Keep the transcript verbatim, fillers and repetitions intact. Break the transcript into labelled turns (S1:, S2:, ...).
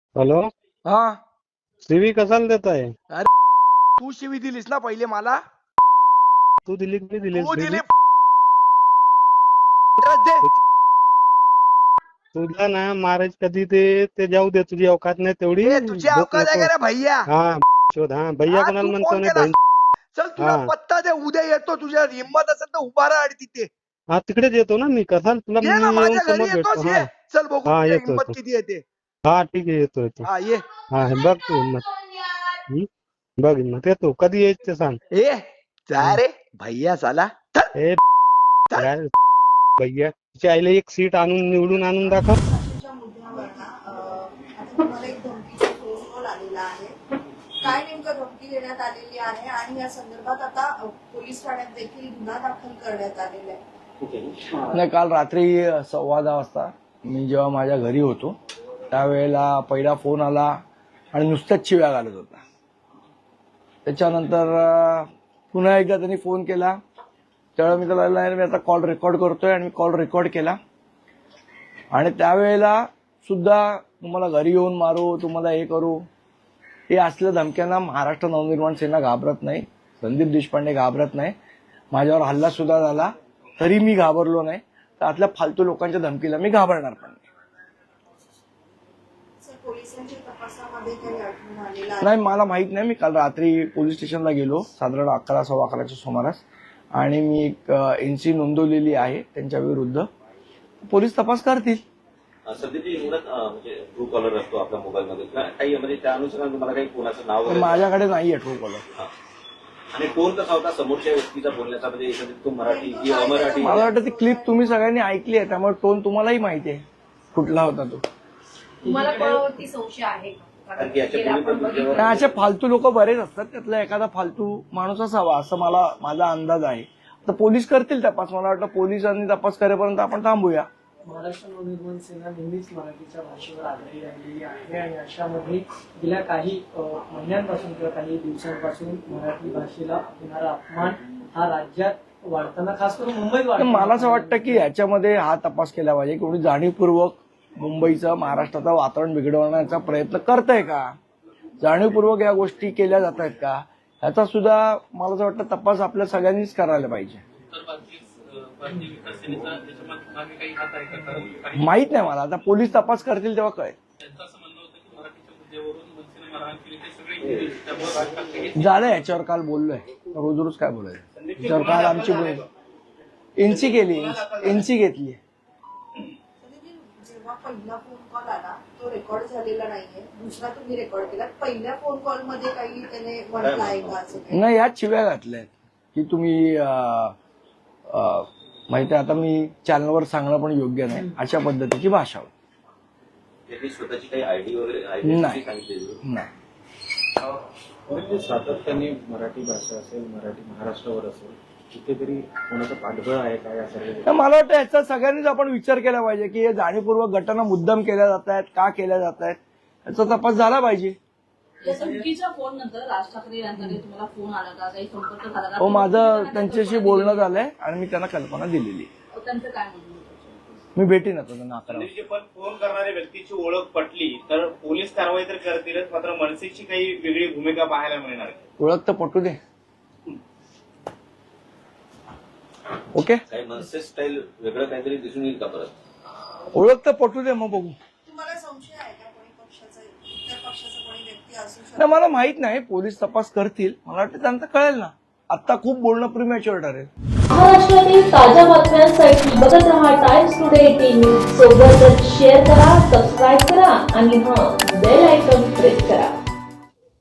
S1: Hello,
S2: हा
S1: CV कशाला देत आहे?
S2: अरे तू शिवी दिलीस ना पहिले मला.
S1: तू दिली की नाही दिलीस?
S2: तू दिली.
S1: दिली.
S2: दे.
S1: तुला ना मारायचं कधी ते ते जाऊ दे, तुझी अवकात नाही तेवढी.
S2: ए, तुझी
S1: भूक
S2: अवकाश आहे
S1: नको.
S2: का रे भैया?
S1: हा शोध. हा भैया
S2: हा,
S1: कोणाला
S2: तू
S1: म्हणतो
S2: फोन
S1: नाही
S2: केला.
S1: बहीण.
S2: चल तुला
S1: हा
S2: पत्ता दे, उद्या येतो. तुझ्या हिंमत असेल तर उभा राहा आणि तिथे
S1: हा तिकडेच येतो ना मी. कसा तुला
S2: ये
S1: मी
S2: ना,
S1: येऊन
S2: माझ्या घरी
S1: समोर भेटतो.
S2: येतोस.
S1: हा
S2: ये चल बघू
S1: हा
S2: तुझ्या
S1: येतो
S2: हिंमत
S1: येतो.
S2: किती येते.
S1: हा ठीक आहे, येतो येतो.
S2: हा ये.
S1: हा हे बघ तू हिंमत. हम्म? बघ हिंमत. येतो कधी यायचं ते सांग.
S2: ए जा रे भैया साला. चल.
S1: ए
S2: चल.
S1: काय भैया, तिच्या आईला एक सीट आणून निवडून आणून दाखव.
S3: फाशीच्या मुद्द्यावर ना अ, आता तुम्हाला एक धमकीचा फोन कॉल आलेला आहे. काय नेमकं धमकी देण्यात आलेली आहे आणि या संदर्भात आता अ, पोलीस ठाण्यात देखील गुन्हा दाखल करण्यात आलेला आहे.
S2: नाही, काल रात्री सव्वा दहा वाजता मी जेव्हा माझ्या घरी होतो त्यावेळेला पहिला फोन आला आणि नुसत्याच शिव्या घालत होता. त्याच्यानंतर अं, पुन्हा एकदा त्यांनी फोन केला. त्यावेळेला मी त्याला नाही, मी आता कॉल रेकॉर्ड करतोय आणि मी कॉल रेकॉर्ड केला. आणि त्यावेळेला सुद्धा तुम्हाला घरी येऊन मारू, तुम्हाला हे करू, हे असल्या धमक्यांना महाराष्ट्र नवनिर्माण सेना घाबरत नाही. संदीप देशपांडे घाबरत नाही. माझ्यावर हल्ला सुद्धा झाला तरी मी घाबरलो नाही. तर आतल्या फालतू लोकांच्या धमकीला मी घाबरणार पण नाही.
S3: सर, पोलिसांच्या तपासामध्ये काही आढळून आलेलं आहे?
S2: नाही, मला माहित नाही. मी काल रात्री पोलीस स्टेशनला गेलो साधारण अकरा सव्वा अकराच्या सुमारास आणि मी एक एनसी नोंदवलेली आहे त्यांच्या विरुद्ध. पोलीस तपास करतील.
S4: सध्याची एवढंच म्हणजे ट्रू कॉलर असतो आपल्या मोबाईलमध्ये काही म्हणजे त्या अनुषंगाने तुम्हाला काही कोणाचं नाव वगैरे?
S2: माझ्याकडे नाहीये ट्रू कॉलर.
S4: आणि टोन कसा होता समोरच्या व्यक्तीचा बोलण्याचा, म्हणजे एखादी तो मराठी की अमराठी?
S2: मला वाटतं ती क्लिप तुम्ही सगळ्यांनी ऐकली आहे त्यामुळे टोन तुम्हालाही माहिती आहे कुठला होता तो.
S5: तुम्हाला कोणावरती संशय आहे का?
S4: कारण की याच्या
S5: गेल्या
S4: पूर्वी
S5: आपण
S4: पण
S5: बघितलं.
S4: जेव्हा-
S2: नाही, असे फालतू लोक बरेच असतात. त्यातला एखादा फालतू माणूस असावा असं मला माझा अंदाज आहे. तर पोलीस करतील तपास. मला वाटतं पोलिसांनी तपास करेपर्यंत आपण थांबूया.
S6: महाराष्ट्र नवनिर्माण सेना नेहमीच मराठीच्या भाषेवर आधारित राहिलेली आहे आणि अशामध्ये गेल्या काही अ, महिन्यांपासून किंवा काही दिवसांपासून मराठी भाषेला होणारा अपमान हा राज्यात वाढताना, खास करून मुंबईत
S2: तर
S6: वाढताना
S2: मला असं वाटतं की याच्यामध्ये हा तपास केला पाहिजे. कोणी जाणीवपूर्वक मुंबईचं महाराष्ट्राचं वातावरण बिघडवण्याचा प्रयत्न करतंय का, जाणीवपूर्वक या गोष्टी केल्या जात आहेत का, ह्याचा सुद्धा मला असं वाटतं तपास आपल्या सगळ्यांनीच करायला पाहिजे. माहित नाही मला, आता पोलीस तपास करतील तेव्हा कळेल. झालं, याच्यावर काल बोललोय. रोज रोज काय बोलायचं याच्यावर? काल आमची एनसी केली, एनसी घेतली.
S3: संदीपजी, जेव्हा पहिला फोन कॉल आला तो रेकॉर्ड झालेला नाहीये, दुसरा तुम्ही रेकॉर्ड केला. पहिल्या फोन कॉल मध्ये काही त्याने म्हटलं आहे का असं काही?
S2: नाही, ह्याच शिव्या घातल्यात की तुम्ही अं, अं, माहिती आहे. आता मी चॅनलवर सांगणं पण योग्य नाही अशा पद्धतीची भाषा होती.
S4: त्यांनी स्वतःची काही आयडी वगैरे identity
S2: नाही.
S4: सांगितलेली?
S2: नाही.
S7: परंतु सातत्याने मराठी भाषा असेल, मराठी महाराष्ट्रावर असेल, कुठेतरी कोणाचं पाठबळ आहे काय या सर्व?
S2: तर मला वाटतं याचा सगळ्यांनीच आपण विचार केला पाहिजे की हे जाणीवपूर्वक घटना मुद्दाम केल्या जात आहेत, का केल्या जात आहेत, याचा तपास झाला पाहिजे.
S5: या धमकीच्या फोन नंतर राज ठाकरे यांच्याकडे तुम्हाला फोन आला का, काही संपर्क झाला का?
S2: हो, माझं त्यांच्याशी बोलणं झालंय आणि मी त्यांना कल्पना दिलेली.
S5: त्यांचं काय म्हणणं होतं?
S2: मी भेटीन आता त्यांना अकरा वाजता.
S8: संदीपजी, पण फोन करणाऱ्या व्यक्तीची ओळख पटली तर पोलीस कारवाई तर करतीलच, मात्र मनसेची काही वेगळी भूमिका पाहायला मिळणार आहे.
S2: ओळख तर पटू दे. ओके,
S4: काही मनसे स्टाईल वेगळं काहीतरी दिसून येईल का परत?
S2: ओळख तर पटू दे, मग बघू.
S3: तुम्हाला संशय आहे का कोणी पक्षाचा, इतर पक्षाचा कोणी व्यक्ती असू शकतो?
S2: नाही, मला माहित नाही. पोलीस तपास करतील. मला वाटतं त्यांना कळेल ना. आता खूप बोलणं प्रीमॅच्युअर ठरेल.
S9: महाराष्ट्रातील ताज्या बातम्यांसाठी बघत रहा टाइम्स टुडे टीव्ही. सोबतच शेअर करा, सबस्क्राईब करा आणि हां, बेल आयकॉन प्रेस करा.